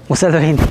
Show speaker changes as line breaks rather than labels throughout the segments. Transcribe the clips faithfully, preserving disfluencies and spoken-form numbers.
ముసలి దొరికింది.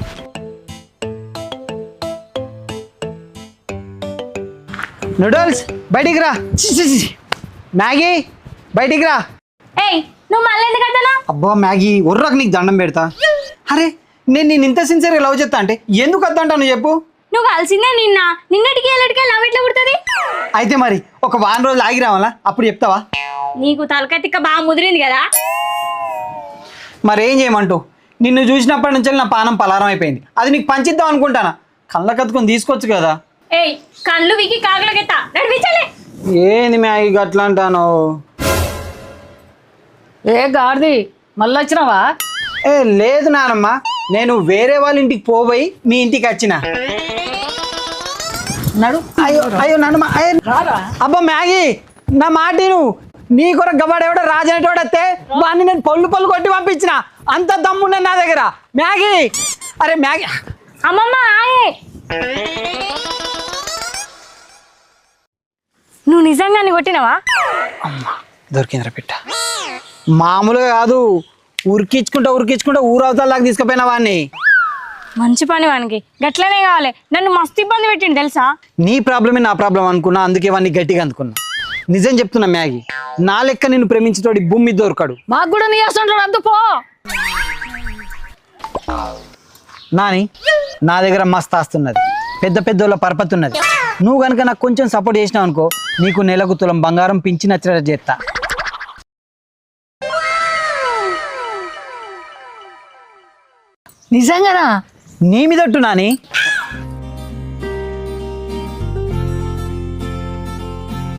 నూడిల్స్ బయటికి రా. చి, చి, చి. మ్యాగీ బయటికి రా.
ఏయ్ నువ్వు మళ్ళీ ఎందుకు అదనా?
అబ్బా మ్యాగీ ఉర్రకు నీకు దండం పెడతా. అరే నేను నేను ఇంత సిన్సియర్గా లవ్ చేస్తా అంటే ఎందుకు వద్దంటాను చెప్పు.
నువ్వు కలిసిందే నిన్న నిన్నటికి ఎల్లటికి లవ్ ఎట్లా పుడుతుంది?
అయితే మరి ఒక వారం రోజులు ఆగి రావాలా, అప్పుడు చెప్తావా?
నీకు తలకాయ తిక్క బాగా ముదిరింది కదా.
మరి ఏం చేయమంటూ, నిన్ను చూసినప్పటి నుంచి నా పానం పలారం అయిపోయింది. అది నీకు పంచిద్దాం అనుకుంటానా, కళ్ళ కత్తుకొని తీసుకోవచ్చు కదా.
ఏయ్ కళ్ళు వికి కాగలకెత్తా నడిపించాలి.
ఏంది మ్యాగీ అట్లా అంటాను?
ఏ గాడిది మళ్ళీ వచ్చినావా?
ఏ లేదు నానమ్మ, నేను వేరే వాళ్ళ ఇంటికి పోయి మీ ఇంటికి వచ్చిన.
నడు.
అయ్యో అయ్యో నాన్నమ్మ, అయ్యో
రారా.
అబ్బా మ్యాగీ నా మాట నువ్వు, నీ కొరకు గవాడు ఎవడో రాజు అనేటోడు వస్తే వాడిని నేను పళ్ళు పళ్ళు కొట్టి పంపించిన. అంత దమ్మున్న నా దగ్గర. మ్యాగీ అరే మ్యాగీ.
అమ్మమ్మ ఆయే నువ్వు నిజంగానే కొట్టినావా?
అమ్మ దొరికిందిరా పిట్ట. మామూలుగా కాదు, ఉరికించుకుంటా ఉరికించుకుంటా ఊరవతల దాకా తీసుకుపోయిన వాడిని.
మంచి పని వానికి గట్లనే కావాలి. నన్ను మస్తు ఇబ్బంది పెట్టిండు తెలుసా.
నీ ప్రాబ్లమే నా ప్రాబ్లం అనుకున్నా, అందుకే వాడిని గట్టిగా అందుకున్నా. నిజం చెప్తున్నా మ్యాగీ, నా లెక్క నిన్ను ప్రేమించేటోడి భూమి మీద దొరకడు.
మాకు కూడా నీ వస్తుంటాడు అందు పో.
నాని నా దగ్గర మస్తు ఆస్తున్నది, పెద్ద పెద్దోళ్ళ పరపతి ఉన్నది. నువ్వు కనుక నాకు కొంచెం సపోర్ట్ చేసినావు అనుకో, నీకు నెలకు తులం బంగారం పించి నచ్చినట్టు చేస్తా.
నిజంగానా?
నీ మీద ఒట్టు నాని.